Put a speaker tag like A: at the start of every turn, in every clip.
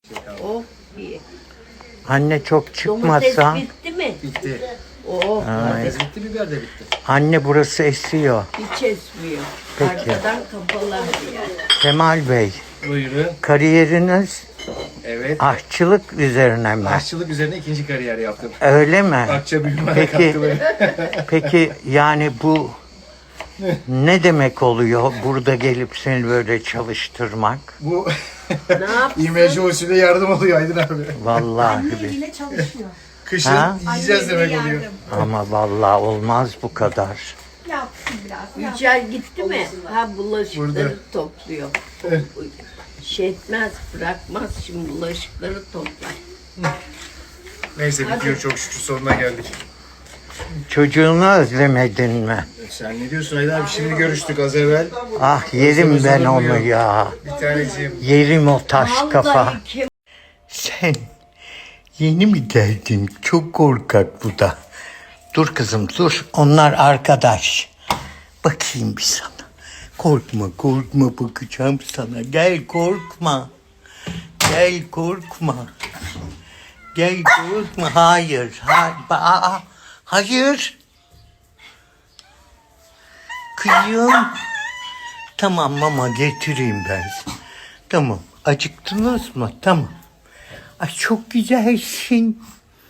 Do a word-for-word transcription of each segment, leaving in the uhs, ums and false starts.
A: Oh iyi.
B: Anne çok
A: Domates
B: çıkmasa.
A: bitti mi?
C: Bitti.
A: Oh
C: Domates bitti, biber de bitti.
B: Anne burası esiyor.
A: hiç esmiyor.
B: Peki.
A: Arkadan kapalı yer.
B: Kemal Bey,
C: Buyurun.
B: kariyeriniz
C: Evet.
B: aşçılık üzerine mi?
C: Aşçılık üzerine ikinci kariyer yaptım.
B: Öyle mi?
C: Akça büyüme
B: Peki,
C: katkıları.
B: peki yani bu ne demek oluyor burada gelip seni böyle çalıştırmak?
C: Bu
A: Ne yapsın?
C: İmece usulü yardım oluyor Aydın abi.
B: Vallahi bir.
D: Eliyle çalışıyor.
C: Kışın
B: Ha?
C: yiyeceğiz demek
D: Anneyle
C: oluyor.
D: yardım.
B: Ama vallahi olmaz bu kadar.
D: Yapsın biraz. Yapsın.
A: Yücel gitti mi? Ha bulaşıkları
C: Burada.
A: topluyor.
C: Evet.
A: Şey etmez, bırakmaz şimdi bulaşıkları toplar.
C: Neyse bitiyor çok şükür sonuna geldik.
B: Çocuğunu özlemedin mi?
C: Sen ne diyorsun Aydın abi? Şimdi görüştük az evvel.
B: Ah yerim ben
C: Özlem
B: onu
C: özlem
B: ya.
C: Bir taneciğim.
B: Yerim o taş kafa.
A: Vallahi kim
B: Sen yeni mi geldin? Çok korkak bu da. Dur kızım dur. Onlar arkadaş. Bakayım bir sana. Korkma korkma bakacağım sana. Gel korkma. Gel korkma. Gel korkma. Hayır. Hayır. Aa, hayır. Kıyım. Tamam mama getireyim ben size. Tamam. Acıktınız mı? Tamam. Ay çok güzelsin.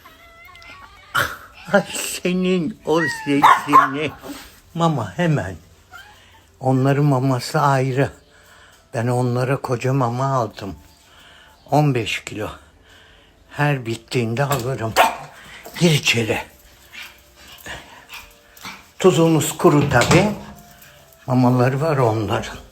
B: Ay senin o sesini. Mama hemen. Onların maması ayrı. Ben onlara koca mama aldım. on beş kilo. Her bittiğinde alırım. Gir içeri. Tuzumuz kuru tabii. Mamaları var onların.